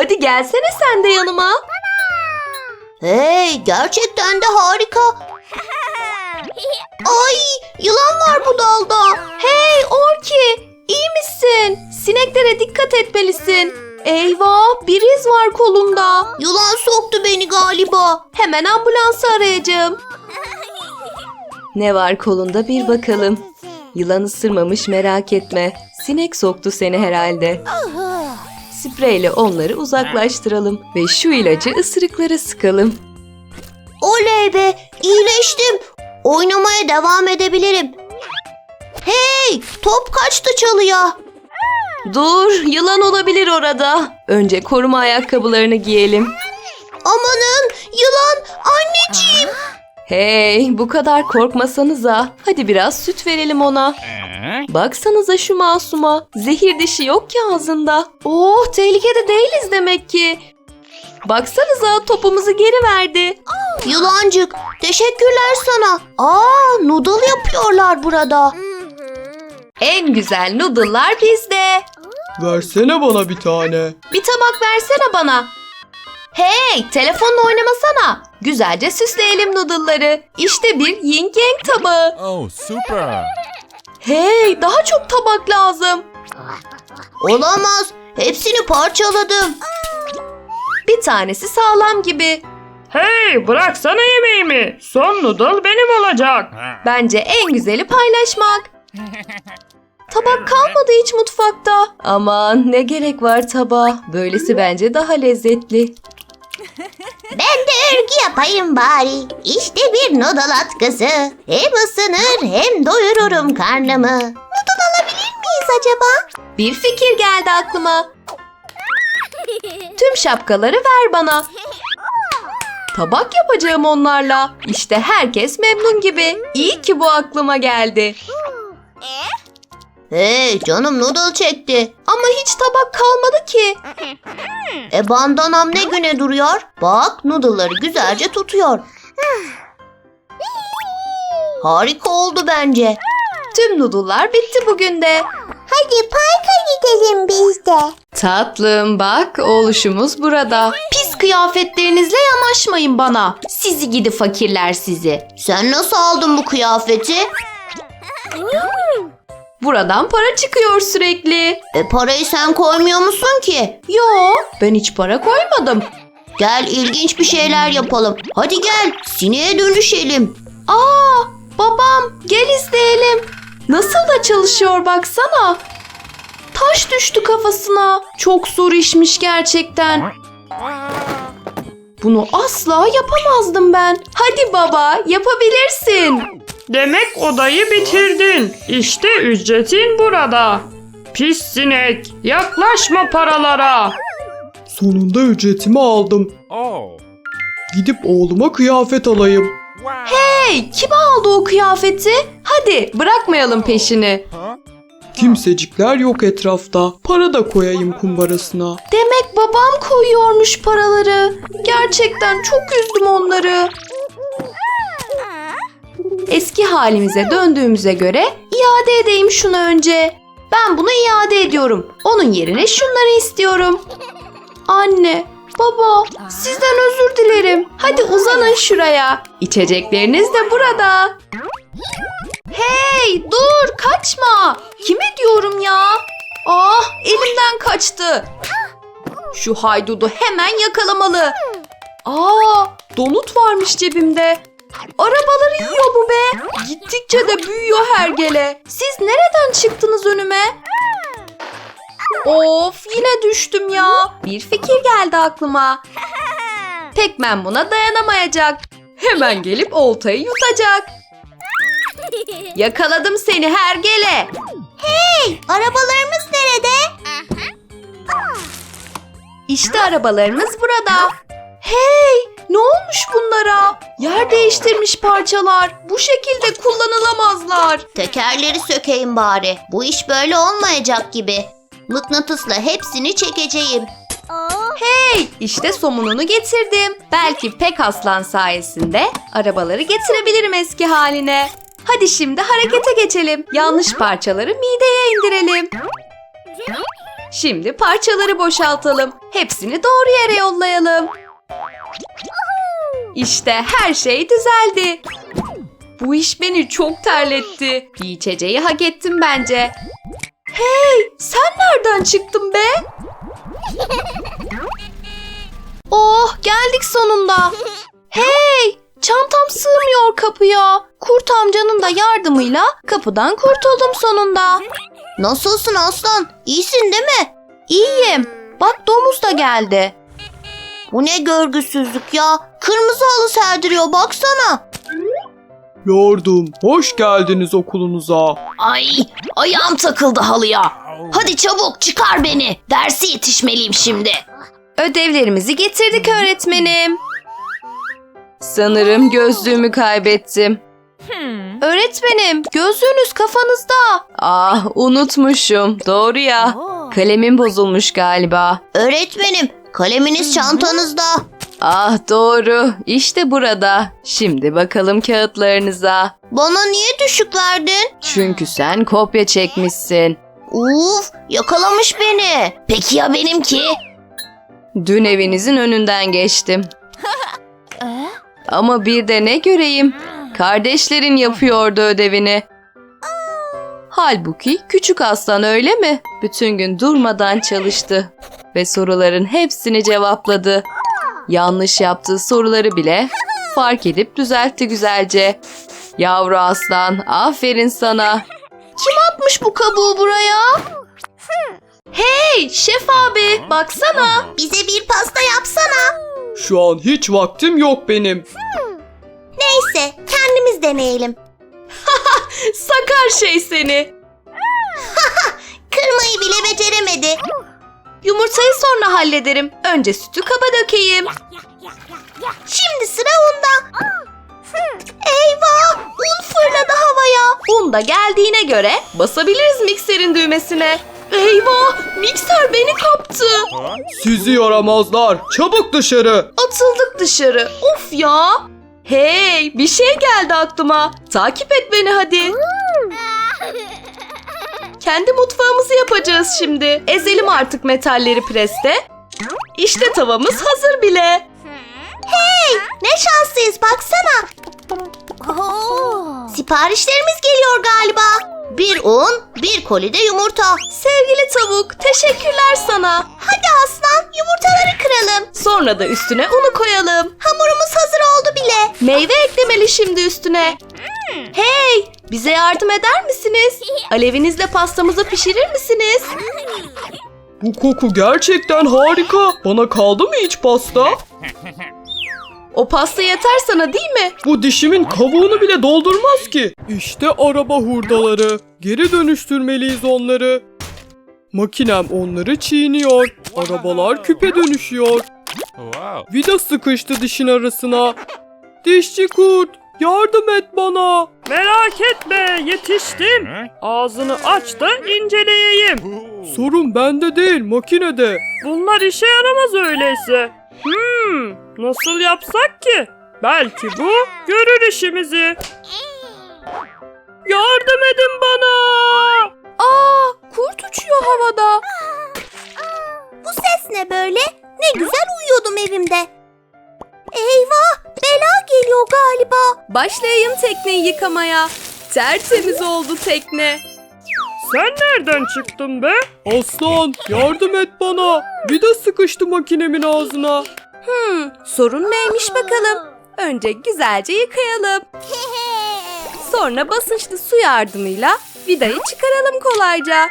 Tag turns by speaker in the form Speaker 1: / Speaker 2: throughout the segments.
Speaker 1: Hadi gelsene sen de yanıma.
Speaker 2: Hey, gerçekten de harika. Ay, yılan var bu dalda.
Speaker 1: Hey Orki, iyi misin? Sineklere dikkat etmelisin. Eyvah, bir iz var kolumda.
Speaker 2: Yılan soktu beni galiba.
Speaker 1: Hemen ambulansı arayacağım. Ne var kolunda bir bakalım. Yılan ısırmamış, merak etme. Sinek soktu seni herhalde. Spreyle onları uzaklaştıralım ve şu ilacı ısırıklara sıkalım.
Speaker 2: Oley be, iyileştim. Oynamaya devam edebilirim. Hey, top kaçtı çalıya.
Speaker 1: Dur, yılan olabilir orada. Önce koruma ayakkabılarını giyelim.
Speaker 2: Amanın, yılan, anneciğim.
Speaker 1: Hey, bu kadar korkmasanıza. Hadi biraz süt verelim ona. Baksanıza şu masuma. Zehir dişi yok ki ağzında. Oh, tehlikede değiliz demek ki. Baksanıza, topumuzu geri verdi.
Speaker 2: Yılancık, teşekkürler sana. Noodle yapıyorlar burada.
Speaker 1: En güzel noodle'lar bizde.
Speaker 3: Versene bana bir tane.
Speaker 1: Bir tabak versene bana. Hey, telefonla oynamasana. Güzelce süsleyelim noodle'ları. İşte bir yin yang tabağı.
Speaker 4: Oh, super.
Speaker 1: Hey, daha çok tabak lazım.
Speaker 2: Olamaz, hepsini parçaladım.
Speaker 1: Bir tanesi sağlam gibi.
Speaker 5: Hey, bıraksana yemeğimi. Son noodle benim olacak.
Speaker 1: Bence en güzeli paylaşmak. Tabak kalmadı hiç mutfakta. Aman ne gerek var tabağa. Böylesi bence daha lezzetli.
Speaker 2: Ben de örgü yapayım bari. İşte bir noodle atkısı. Hem ısınır hem doyururum karnımı. Noodle alabilir miyiz acaba?
Speaker 1: Bir fikir geldi aklıma. Tüm şapkaları ver bana. Tabak yapacağım onlarla. İşte herkes memnun gibi. İyi ki bu aklıma geldi.
Speaker 2: Hey, canım noodle çekti.
Speaker 1: Ama hiç tabak kalmadı ki.
Speaker 2: Bandanam ne güne duruyor? Bak, noodle'ları güzelce tutuyor. Harika oldu bence.
Speaker 1: Tüm noodle'lar bitti bugün de.
Speaker 2: Hadi parka gidelim biz de.
Speaker 1: Tatlım bak, oğluşumuz burada. Pis kıyafetlerinizle yanaşmayın bana. Sizi gidi fakirler sizi.
Speaker 2: Sen nasıl aldın bu kıyafeti?
Speaker 1: Buradan para çıkıyor sürekli.
Speaker 2: Parayı sen koymuyor musun ki?
Speaker 1: Yo, ben hiç para koymadım.
Speaker 2: Gel, ilginç bir şeyler yapalım. Hadi gel, sineğe dönüşelim.
Speaker 1: Babam, gel izleyelim. Nasıl da çalışıyor baksana. Taş düştü kafasına. Çok zor işmiş gerçekten. Bunu asla yapamazdım ben. Hadi baba, yapabilirsin.
Speaker 5: Demek odayı bitirdin. İşte ücretin burada. Pis sinek, yaklaşma paralara.
Speaker 3: Sonunda ücretimi aldım.
Speaker 4: Oh.
Speaker 3: Gidip oğluma kıyafet alayım.
Speaker 4: Wow.
Speaker 1: Hey, kim aldı o kıyafeti? Hadi bırakmayalım peşini.
Speaker 3: Kimsecikler yok etrafta. Para da koyayım kumbarasına.
Speaker 1: Demek babam koyuyormuş paraları. Gerçekten çok üzdüm onları. Eski halimize döndüğümüze göre iade edeyim şunu önce. Ben bunu iade ediyorum. Onun yerine şunları istiyorum. Anne, baba, sizden özür dilerim. Hadi uzanın şuraya. İçecekleriniz de burada. Hey, dur, kaçma. Kime diyorum ya? Elimden kaçtı. Şu haydudu hemen yakalamalı. Donut varmış cebimde. Arabaları yiyor bu be. Gittikçe de büyüyor hergele. Siz nereden çıktınız önüme? Of, yine düştüm ya. Bir fikir geldi aklıma. Tekmen buna dayanamayacak. Hemen gelip oltayı yutacak. Yakaladım seni hergele.
Speaker 2: Arabalarımız nerede?
Speaker 1: İşte arabalarımız burada. Hey, ne olmuş bunlara? Yer değiştirmiş parçalar. Bu şekilde kullanılamazlar.
Speaker 2: Tekerleri sökeyim bari. Bu iş böyle olmayacak gibi. Mıknatısla hepsini çekeceğim.
Speaker 1: Hey, işte somununu getirdim. Belki Pekaslan sayesinde arabaları getirebilirim eski haline. Hadi şimdi harekete geçelim. Yanlış parçaları mideye indirelim. Şimdi parçaları boşaltalım. Hepsini doğru yere yollayalım. İşte her şey düzeldi. Bu iş beni çok terletti. Bir içeceği hak ettim bence. Hey, sen nereden çıktın be? Oh, geldik sonunda. Hey, çantam sığmıyor kapıya. Kurt amcanın da yardımıyla kapıdan kurtuldum sonunda.
Speaker 2: Nasılsın aslan? İyisin değil mi?
Speaker 1: İyiyim. Bak domuz da geldi.
Speaker 2: Bu ne görgüsüzlük ya. Kırmızı halı serdiriyor baksana.
Speaker 3: Lordum, hoş geldiniz okulunuza.
Speaker 2: Ay ayağım takıldı halıya. Hadi çabuk çıkar beni. Derse yetişmeliyim şimdi.
Speaker 1: Ödevlerimizi getirdik öğretmenim. Sanırım gözlüğümü kaybettim. Öğretmenim, gözlüğünüz kafanızda. Ah, unutmuşum. Doğru ya. Kalemim bozulmuş galiba.
Speaker 2: Öğretmenim kaleminiz çantanızda.
Speaker 1: Ah, doğru. İşte burada. Şimdi bakalım kağıtlarınıza.
Speaker 2: Bana niye düşük verdin?
Speaker 1: Çünkü sen kopya çekmişsin.
Speaker 2: Uf yakalamış beni. Peki ya benimki?
Speaker 1: Dün evinizin önünden geçtim. Ama bir de ne göreyim? Kardeşlerin yapıyordu ödevini. Halbuki küçük aslan öyle mi? Bütün gün durmadan çalıştı ve soruların hepsini cevapladı. Yanlış yaptığı soruları bile fark edip düzeltti güzelce. Yavru aslan, aferin sana. Kim atmış bu kabuğu buraya? Hey, şef abi, baksana.
Speaker 2: Bize bir pasta yapsana.
Speaker 3: Şu an hiç vaktim yok benim.
Speaker 2: Neyse kendimiz deneyelim.
Speaker 1: Sakar şey seni.
Speaker 2: Kırmayı bile beceremedi.
Speaker 1: Yumurtayı sonra hallederim. Önce sütü kaba dökeyim.
Speaker 2: Şimdi sıra onda. Eyvah un fırladı havaya.
Speaker 1: Un da geldiğine göre basabiliriz mikserin düğmesine. Eyvah! Mikser beni kaptı.
Speaker 3: Sizi yaramazlar, çabuk dışarı.
Speaker 1: Atıldık dışarı. Of ya! Hey! Bir şey geldi aklıma. Takip et beni hadi. Kendi mutfağımızı yapacağız şimdi. Ezelim artık metalleri preste. İşte tavamız hazır bile.
Speaker 2: Ne şanslıyız baksana. Siparişlerimiz geliyor galiba. Bir un, bir kolide yumurta.
Speaker 1: Sevgili tavuk, teşekkürler sana.
Speaker 2: Hadi aslan yumurtaları kıralım.
Speaker 1: Sonra da üstüne unu koyalım.
Speaker 2: Hamurumuz hazır oldu bile.
Speaker 1: Meyve eklemeli şimdi üstüne. Hey, bize yardım eder misiniz? Alevinizle pastamızı pişirir misiniz?
Speaker 3: Bu koku gerçekten harika. Bana kaldı mı hiç pasta?
Speaker 1: O pasta yeter sana değil mi?
Speaker 3: Bu dişimin kavuğunu bile doldurmaz ki. İşte araba hurdaları. Geri dönüştürmeliyiz onları. Makinem onları çiğniyor. Arabalar küpe dönüşüyor. Vida sıkıştı dişin arasına. Dişçi kurt, yardım et bana.
Speaker 5: Merak etme, yetiştim. Ağzını aç da inceleyeyim.
Speaker 3: Sorun bende değil, makinede.
Speaker 5: Bunlar işe yaramaz öyleyse. Nasıl yapsak ki? Belki bu görür işimizi. Yardım edin bana.
Speaker 1: Aa, kurt uçuyor havada.
Speaker 2: Bu ses ne böyle? Ne güzel uyuyordum evimde. Eyvah bela geliyor galiba.
Speaker 1: Başlayayım tekneyi yıkamaya. Tertemiz oldu tekne.
Speaker 5: Sen nereden çıktın be?
Speaker 3: Aslan, yardım et bana. Vida sıkıştı makinemin ağzına.
Speaker 1: Sorun neymiş bakalım. Önce güzelce yıkayalım. Sonra basınçlı su yardımıyla vidayı çıkaralım kolayca.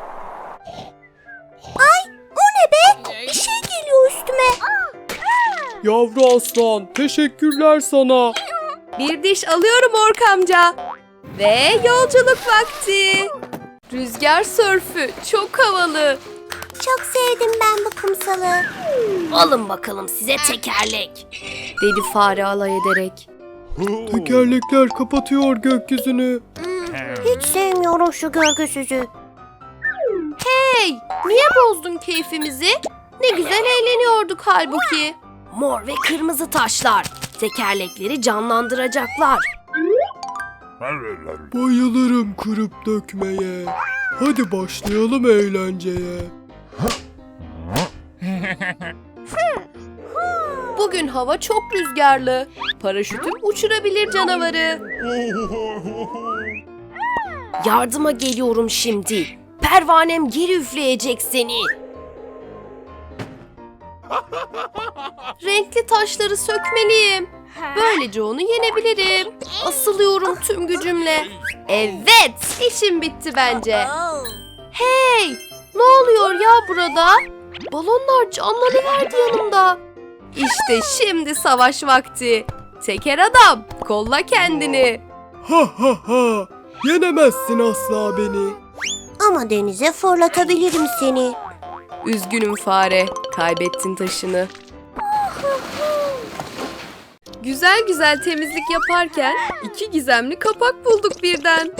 Speaker 2: O ne be? Bir şey geliyor üstüme.
Speaker 3: Yavru aslan, teşekkürler sana.
Speaker 1: Bir diş alıyorum Ork amca. Ve yolculuk vakti. Rüzgar sörfü çok havalı.
Speaker 2: Çok sevdim ben bu kumsalı.
Speaker 1: Alın bakalım size tekerlek. Dedi fare alay ederek.
Speaker 3: Tekerlekler kapatıyor gökyüzünü.
Speaker 2: Hiç sevmiyorum şu görgüsüzü.
Speaker 1: Hey, niye bozdun keyfimizi? Ne güzel eğleniyorduk halbuki. Mor ve kırmızı taşlar. Tekerlekleri canlandıracaklar.
Speaker 3: Bayılırım kırıp dökmeye. Hadi başlayalım eğlenceye.
Speaker 1: Bugün hava çok rüzgarlı. Paraşütüm uçurabilir canavarı. Yardıma geliyorum şimdi. Pervanem geri üfleyecek seni. Renkli taşları sökmeliyim. Böylece onu yenebilirim. Asılıyorum tüm gücümle. Evet, işim bitti bence. Hey, ne oluyor ya burada? Balonlar canlanıverdi yanımda. İşte şimdi savaş vakti. Teker adam, kolla kendini.
Speaker 3: Ha ha ha. Yenemezsin asla beni.
Speaker 2: Ama denize fırlatabilirim seni.
Speaker 1: Üzgünüm fare, kaybettin taşını. Güzel güzel temizlik yaparken 2 gizemli kapak bulduk birden.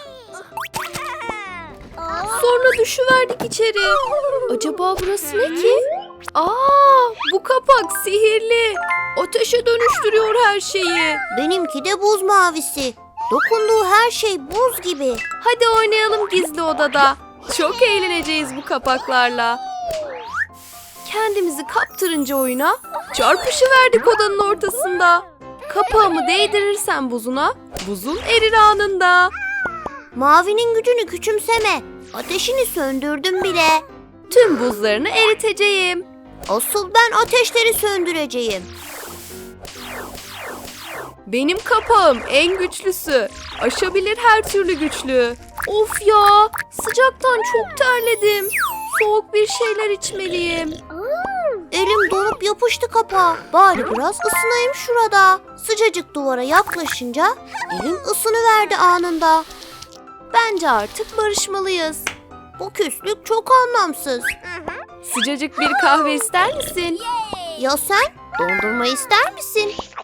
Speaker 1: Sonra düşüverdik içeri. Acaba burası ne ki? Bu kapak sihirli. Ateşe dönüştürüyor her şeyi.
Speaker 2: Benimki de buz mavisi. Dokunduğu her şey buz gibi.
Speaker 1: Hadi oynayalım gizli odada. Çok eğleneceğiz bu kapaklarla. Kendimizi kaptırınca oyuna çarpışıverdik odanın ortasında. Kapağımı değdirirsem buzuna, buzun erir anında.
Speaker 2: Mavinin gücünü küçümseme. Ateşini söndürdüm bile.
Speaker 1: Tüm buzlarını eriteceğim.
Speaker 2: Asıl ben ateşleri söndüreceğim.
Speaker 1: Benim kapağım en güçlüsü. Aşabilir her türlü güçlüğü. Of ya, sıcaktan çok terledim. Soğuk bir şeyler içmeliyim.
Speaker 2: Elim donup yapıştı kapağa. Bari biraz ısınayım şurada. Sıcacık duvara yaklaşınca elim ısınıverdi anında.
Speaker 1: Bence artık barışmalıyız.
Speaker 2: Bu küslük çok anlamsız.
Speaker 1: Sıcacık bir kahve ister misin?
Speaker 2: Ya sen? Dondurma ister misin?